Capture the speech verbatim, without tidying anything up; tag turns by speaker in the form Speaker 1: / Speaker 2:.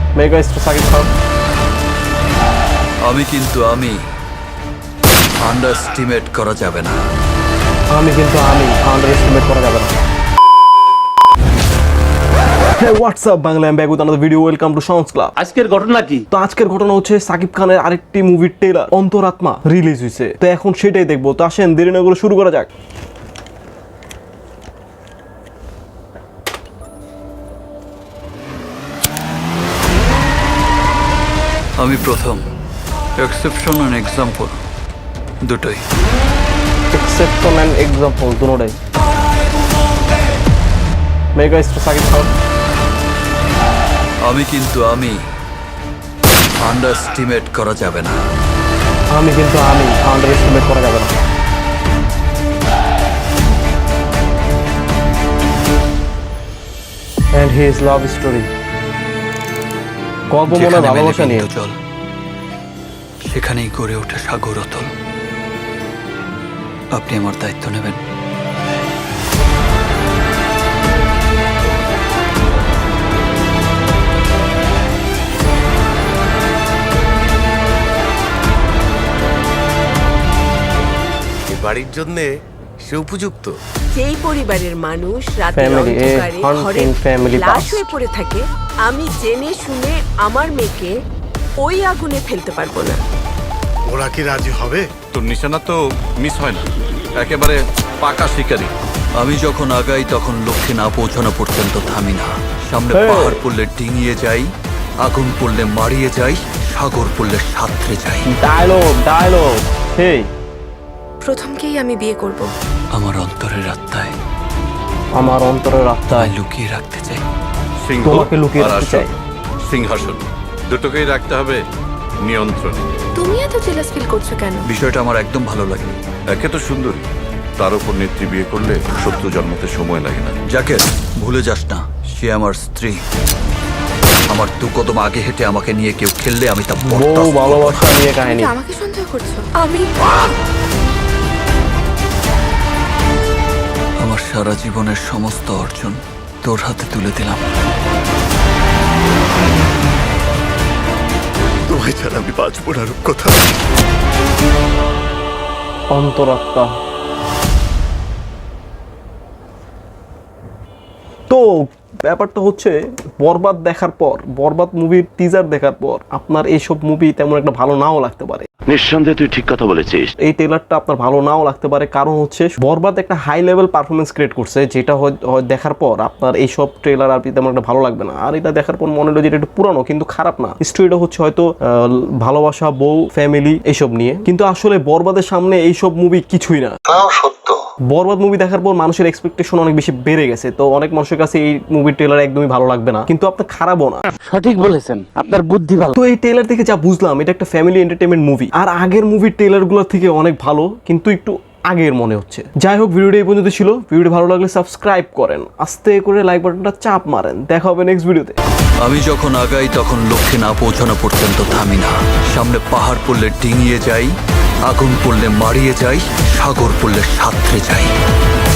Speaker 1: Mega star Shakib Khan.
Speaker 2: আমি কিন্তু আমি আন্ডারস্টিমেট করা যাবে না।
Speaker 1: আমি কিন্তু আমি আন্ডার এস্টিমেট করা যাবে না। Hey, what's up Bangla, I'm back with another video. Welcome to Sounds Club.
Speaker 3: আজকের ঘটনা কি?
Speaker 1: তো আজকের ঘটনা হচ্ছে সাকিব খানের আরেকটি মুভির ট্রেলার অন্তরাত্মা রিলিজ হয়েছে। তো এখন সেটাই দেখবো। তো আসেন দেরি না করে শুরু করা যাক।
Speaker 2: আমি প্রথম এক্সেপশন অ্যান্ড এক্সাম্পল দুটোই।
Speaker 1: এক্সেপশন অ্যান্ড এক্সাম্পল দুটোই। Mega star Shakib Khan.
Speaker 2: আমি কিন্তু আমি আন্ডারস্টিমেট করা যাবে না।
Speaker 1: আমি কিন্তু আমি আন্ডার এস্টিমেট করা যাবে না। And his love story. গল্প মনে
Speaker 2: যেখানে মেলে
Speaker 1: ভালোবাসা নিয়ে।
Speaker 2: বিন্দু জল, সেখানেই গড়ে ওঠে সাগর অতল। আপনি আমার দায়িত্ব নেবেন।
Speaker 4: বাড়ির জন্য সে উপযুক্ত।
Speaker 5: যেই পরিবারের মানুষ রাতের
Speaker 1: Family, a
Speaker 5: অন্ধকারে
Speaker 1: haunting
Speaker 5: ঘরে
Speaker 1: family
Speaker 5: লাশ
Speaker 1: past.
Speaker 5: হয়ে পড়ে থাকে, আমি জেনে শুনে আমার মেয়েকে ওই আগুনে ফেলতে পারবো না।
Speaker 4: ওরা কি রাজি হবে?
Speaker 6: তোর নিশানা তো মিস হয় না, একেবারে পাকা শিকারি।
Speaker 2: আমি যখন আগাই তখন লক্ষ্যে না পৌঁছানো পর্যন্ত থামি না। সামনে
Speaker 1: Hey!
Speaker 2: পাহাড় পড়লে ডিঙিয়ে যাই, আগুন পড়লে মারিয়ে যাই, সাগর পড়লে সাঁতরে যাই।
Speaker 1: ডায়লগ ডায়লগ সেই
Speaker 5: প্রথমকেই আমি বিয়ে করব।
Speaker 2: আমার অন্তরের আত্মায়
Speaker 1: আমার অন্তরের আত্মায়
Speaker 2: তাই লুকিয়ে রাখতে চাই।
Speaker 6: সিংহ
Speaker 1: তোমাকে লুকিয়ে
Speaker 6: আর
Speaker 1: রাখতে
Speaker 6: আসন,
Speaker 1: চাই।
Speaker 6: সিংহাসন দুটোকেই রাখতে হবে নিয়ন্ত্রণে।
Speaker 5: তুমি এত জেলাস ফিল করছো কেন?
Speaker 2: বিষয়টা আমার একদম ভালো লাগে।
Speaker 6: একে তো সুন্দরী, তার উপর নেত্রী বিয়ে করলে শত্রু জন্মতে সময় লাগে না।
Speaker 2: যাকে ভুলে যাস না, সে আমার স্ত্রী। আমার দু কদম আগে হেঁটে আমাকে নিয়ে কেউ খেললে আমি তা
Speaker 1: বউ
Speaker 2: বরদাস্ত করব না।
Speaker 1: ভালোবাসা নিয়ে কাহিনী।
Speaker 5: আমাকে সন্দেহ করছো? আমি
Speaker 2: আমার সারা জীবনের সমস্ত অর্জন তোর হাতে তুলে দিলাম।
Speaker 4: তোমায় ছাড়া আমি বাঁচবো না রূপকথা।
Speaker 1: অন্তরাত্মা। তো ব্যাপারটা হচ্ছে বরবাদ দেখার পর, বরবাদ মুভির টিজার দেখার পর আপনার এইসব মুভি তেমন একটা ভালো নাও লাগতে পারে।
Speaker 7: নিঃসন্দেহে তুই ঠিক কথা বলেছিস।
Speaker 1: এই ট্রেলারটা আপনার ভালো নাও লাগতে পারে, কারণ হচ্ছে বরবাদ একটা হাই লেভেল পারফরমেন্স ক্রিয়েট করছে, যেটা হয়- হয় দেখার পর আপনার এইসব ট্রেলার আর কি তেমন একটা ভালো লাগবে না। আর এটা দেখার পর মনে হলো যে এটা একটু পুরানো কিন্তু খারাপ না। স্টোরিটা হচ্ছে হয়তো আহ, ভালোবাসা, বউ, ফ্যামিলি এইসব নিয়ে, কিন্তু আসলে বরবাদের সামনে এইসব মুভি কিছুই না। বরবাদ মুভি দেখার পর মানুষের এক্সপেকটেশন অনেক বেশি বেড়ে গেছে, তো অনেক মানুষের কাছে এই মুভির ট্রেলার একদমই ভালো লাগবে না, কিন্তু আপনার খারাপও না।
Speaker 3: সঠিক বলেছেন, আপনার বুদ্ধি ভালো।
Speaker 1: তো এই ট্রেলার থেকে যা বুঝলাম, এটা একটা ফ্যামিলি এন্টারটেইনমেন্ট মুভি, আর আগের মুভির ট্রেলারগুলোর থেকে অনেক ভালো, কিন্তু একটু আগের মনে হচ্ছে। যাই হোক, ভিডিওটা এই পর্যন্ত ছিল। ভিডিওটি ভালো লাগলে সাবস্ক্রাইব করেন, আস্তে করে লাইক বাটনটা চাপ মারেন। দেখা হবে নেক্সট ভিডিওতে।
Speaker 2: আমি যখন আগাই তখন লক্ষ্যে না পৌঁছানো পর্যন্ত থামি না। সামনে পাহাড় পড়লে ডিঙিয়ে যাই, আগুন পড়লে মারিয়ে যাই, সাগর পড়লে সাঁতরে যাই।